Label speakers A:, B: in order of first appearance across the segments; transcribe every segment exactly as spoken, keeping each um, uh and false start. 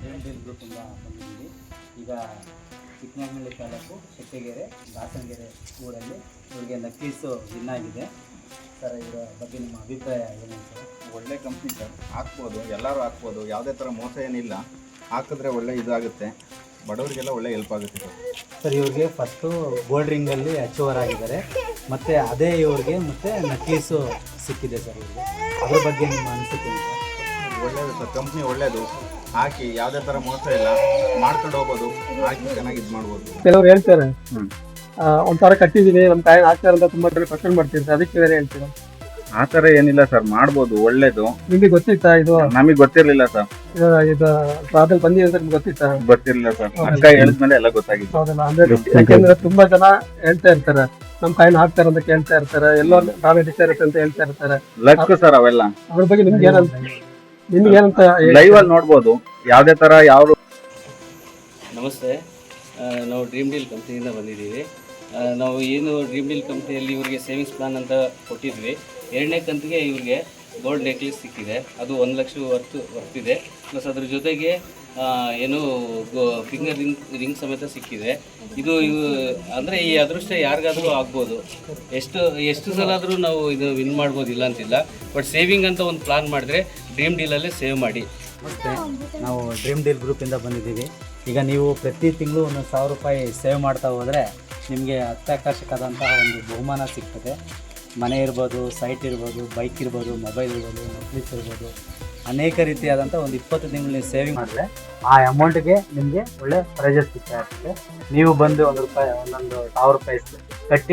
A: Dream deal ಗ್ರೂಪಿಂದ ಬಂದಿದ್ದೀವಿ. ಈಗ ಚಿಕ್ಕಮಗಳೂರು ತಾಲೂಕು ಶೆಟ್ಟಿಗೆರೆ ದಾಸನಗೆರೆ ಊರಲ್ಲಿ ಇವರಿಗೆ ನಕ್ಲೀಸು ವಿನ್ ಆಗಿದೆ. ಸರ್, ಇದರ ಬಗ್ಗೆ ನಿಮ್ಮ ಅಭಿಪ್ರಾಯ ಏನು ಸರ್?
B: ಒಳ್ಳೆ ಕಂಪ್ನಿ ಸರ್, ಹಾಕ್ಬೋದು, ಎಲ್ಲರೂ ಹಾಕ್ಬೋದು, ಯಾವುದೇ ಥರ ಮೋಸ ಏನಿಲ್ಲ. ಹಾಕಿದ್ರೆ ಒಳ್ಳೆ ಇದಾಗುತ್ತೆ, ಬಡವರಿಗೆಲ್ಲ ಒಳ್ಳೆ ಹೆಲ್ಪ್ ಆಗುತ್ತೆ ಸರ್.
A: ಸರ್, ಇವ್ರಿಗೆ ಫಸ್ಟು ಗೋಲ್ಡ್ ರಿಂಗಲ್ಲಿ ಅಚೀವರ್ ಆಗಿದ್ದಾರೆ, ಮತ್ತು ಅದೇ ಇವ್ರಿಗೆ ಮತ್ತು ನಕ್ಲೀಸು ಸಿಕ್ಕಿದೆ ಸರ್. ಇವ್ರಿಗೆ ಅದ್ರ ಬಗ್ಗೆ ನಿಮ್ಮ ಅನಿಸಿಕೆ ಸರ್?
B: ಒಳ್ಳೆಯದು ಸರ್, ಕಂಪ್ನಿ ಒಳ್ಳೆಯದು. ಹಾಕಿ ಯಾವುದೇ ಥರ ಮೋಸ ಇಲ್ಲ, ಮಾಡ್ಕೊಂಡು ಹೋಗ್ಬೋದು, ಹಾಕಿ ಚೆನ್ನಾಗಿ ಇದು ಮಾಡ್ಬೋದು.
C: ಕೆಲವ್ರು ಹೇಳ್ತಾರೆ ಒಂಥರ ಕಟ್ಟಿದ್ದೀನಿ ನಮ್ಮ ಕಾಯಿನ್ ಹಾಕ್ತಾರೆ ಅಂತ ತುಂಬಾ ಕಡೆ ಕ್ವಶನ್ ಮಾಡ್ತಿರ್ತಾರೆ, ಅದಕ್ಕೆ ಬೇರೆ ಹೇಳ್ತೀರಾ?
B: ಆ ಥರ ಏನಿಲ್ಲ ಸರ್, ಮಾಡ್ಬೋದು, ಒಳ್ಳೇದು.
C: ನಿಮಗೆ ಗೊತ್ತಿತ್ತಾ ಇದು?
B: ನಮಗೆ ಗೊತ್ತಿರಲಿಲ್ಲ ಸರ್.
C: ಇದು ಟ್ರಾವೆಲ್ ಬಂದಿದೆ ಅಂತ ನಿಮ್ಗೆ ಗೊತ್ತಿತ್ತಾ?
B: ಗೊತ್ತಿರಲಿಲ್ಲ ಸರ್, ಅಕ್ಕ ಹೇಳಿದ್ಮೇಲೆ ಎಲ್ಲ ಗೊತ್ತಾಗಿತ್ತು.
C: ಹೌದಲ್ಲ, ಅಂದ್ರೆ ಯಾಕೆಂದ್ರೆ ತುಂಬಾ ಜನ ಹೇಳ್ತಾ ಇರ್ತಾರೆ ನಮ್ ಕಾಯಿನ್ ಹಾಕ್ತಾರೆ ಅಂತ ಕೇಳ್ತಾ ಇರ್ತಾರೆ, ಎಲ್ಲೋ ನಾವೇ ಇರುತ್ತೆ ಅಂತ ಹೇಳ್ತಾ ಇರ್ತಾರೆ.
B: ಲಕ್ ಸರ್ ಅವೆಲ್ಲ.
C: ಅದ್ರ ಬಗ್ಗೆ ನಿಮ್ಗೆ ಏನಂತ ನಿಮ್ಗೆ ಏನಂತ
B: ಲೈವ್ ಅಲ್ಲಿ ನೋಡ್ಬೋದು ಯಾವುದೇ ತರ ಯಾವ.
D: ನಮಸ್ತೆ, ನಾವು ಡ್ರೀಮ್ ಡೀಲ್ ಕಂಪ್ನಿಯಿಂದ ಬಂದಿದ್ದೀವಿ. ನಾವು ಏನು ಡ್ರೀಮ್ ಡೀಲ್ ಕಂಪ್ನಿಯಲ್ಲಿ ಇವರಿಗೆ ಸೇವಿಂಗ್ಸ್ ಪ್ಲಾನ್ ಅಂತ ಕೊಟ್ಟಿದ್ವಿ. ಎರಡನೇ ಕಂತಿಗೆ ಇವ್ರಿಗೆ ಗೋಲ್ಡ್ ನೆಕ್ಲೆಸ್ ಸಿಕ್ಕಿದೆ, ಅದು ಒಂದು ಲಕ್ಷ ವರ್ತ್ ವರ್ತಿದೆ. ಪ್ಲಸ್ ಅದ್ರ ಜೊತೆಗೆ ಏನು ಗೋ ಫಿಂಗರ್ ರಿಂಗ್ ರಿಂಗ್ ಸಮೇತ ಸಿಕ್ಕಿದೆ. ಇದು ಇವು ಅಂದರೆ ಈ ಅದೃಷ್ಟ ಯಾರಿಗಾದರೂ ಆಗ್ಬೋದು, ಎಷ್ಟು ಎಷ್ಟು ಸಲ ಆದರೂ ನಾವು ಇದು ವಿನ್ ಮಾಡ್ಬೋದು, ಇಲ್ಲ ಅಂತಿಲ್ಲ. ಬಟ್ ಸೇವಿಂಗ್ ಅಂತ ಒಂದು ಪ್ಲಾನ್ ಮಾಡಿದ್ರೆ ಡ್ರೀಮ್ ಡೀಲಲ್ಲೇ ಸೇವ್ ಮಾಡಿ.
A: ನಮಸ್ತೆ, ನಾವು ಡ್ರೀಮ್ ಡೀಲ್ ಗ್ರೂಪಿಂದ ಬಂದಿದ್ದೀವಿ. ಈಗ ನೀವು ಪ್ರತಿ ತಿಂಗಳು ಒಂದು ಸಾವಿರ ರೂಪಾಯಿ ಸೇವ್ ಮಾಡ್ತಾ ಹೋದರೆ ನಿಮಗೆ ಅತ್ಯಾಕರ್ಷಕವಾದಂತಹ ಒಂದು ಬಹುಮಾನ ಸಿಗ್ತದೆ. ಮನೆ ಇರ್ಬೋದು, ಸೈಟ್ ಇರ್ಬೋದು, ಬೈಕ್ ಇರ್ಬೋದು, ಮೊಬೈಲ್ ಇರ್ಬೋದು, ನಕ್ಲೀಸ್ ಇರ್ಬೋದು, ಅನೇಕ ರೀತಿಯಾದಂಥ ಒಂದು ಇಪ್ಪತ್ತು ತಿಂಗಳು ನೀವು ಸೇವಿಂಗ್ ಮಾಡಿದ್ರೆ ಆ ಅಮೌಂಟ್ಗೆ ನಿಮಗೆ ಒಳ್ಳೆ ಪ್ರೈಜಸ್ ಸಿಗ್ತಾ ಇರ್ತದೆ. ನೀವು ಬಂದು ಒಂದು ರೂಪಾಯಿ ಒಂದೊಂದು ಸಾವಿರ ರೂಪಾಯಿ ಕಟ್ಟಿ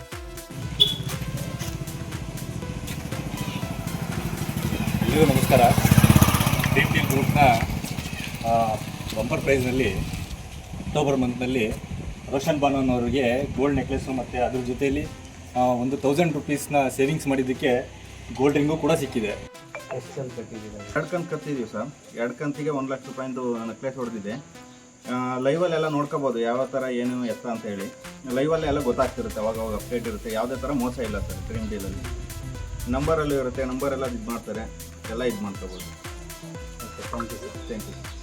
E: ಎಲ್ಲರಿಗೂ ನಮಸ್ಕಾರ. ಡ್ರೀಮ್ ಡೀಲ್ ಗ್ರೂಪ್ನ ಬಂಪರ್ ಪ್ರೈಸ್ನಲ್ಲಿ ಅಕ್ಟೋಬರ್ ಮಂತ್ನಲ್ಲಿ ರೋಷನ್ ಬಾನೋನ್ ಅವರಿಗೆ ಗೋಲ್ಡ್ ನೆಕ್ಲೆಸ್ಸು ಮತ್ತು ಅದ್ರ ಜೊತೆಯಲ್ಲಿ ಒಂದು ತೌಸಂಡ್ ರುಪೀಸ್ನ ಸೇವಿಂಗ್ಸ್ ಮಾಡಿದ್ದಕ್ಕೆ ಗೋಲ್ಡ್ ರಿಂಗು ಕೂಡ ಸಿಕ್ಕಿದೆ.
A: ಎಷ್ಟು ಅಂತ ಕಟ್ಟಿದ್ದೀವಿ?
B: ಎರಡು ಕಂತು ಕಟ್ಟಿದ್ದೀವಿ ಸರ್. ಎರಡು ಕಂತಿಗೆ ಒಂದು ಲಕ್ಷ ರೂಪಾಯಿಂದು ನೆಕ್ಲೆಸ್ ಹೊಡೆದಿದೆ. ಲೈವಲ್ಲೆಲ್ಲ ನೋಡ್ಕೋಬೋದು ಯಾವ ಥರ ಏನು ಎತ್ತ ಅಂತ ಹೇಳಿ. ಲೈವಲ್ಲೇ ಎಲ್ಲ ಗೊತ್ತಾಗ್ತಿರುತ್ತೆ, ಅವಾಗ ಅವಾಗ ಅಪ್ಡೇಟ್ ಇರುತ್ತೆ. ಯಾವುದೇ ಥರ ಮೋಸ ಇಲ್ಲ ಸರ್ ಡ್ರೀಮ್ ಡೀಲಲ್ಲಿ. ನಂಬರಲ್ಲೂ ಇರುತ್ತೆ, ನಂಬರೆಲ್ಲ ಇದು ಮಾಡ್ತಾರೆ, ಎಲ್ಲ ಇದು ಮಾಡ್ಕೋಬೋದು.
A: Okay, thank you sir.
B: Thank you.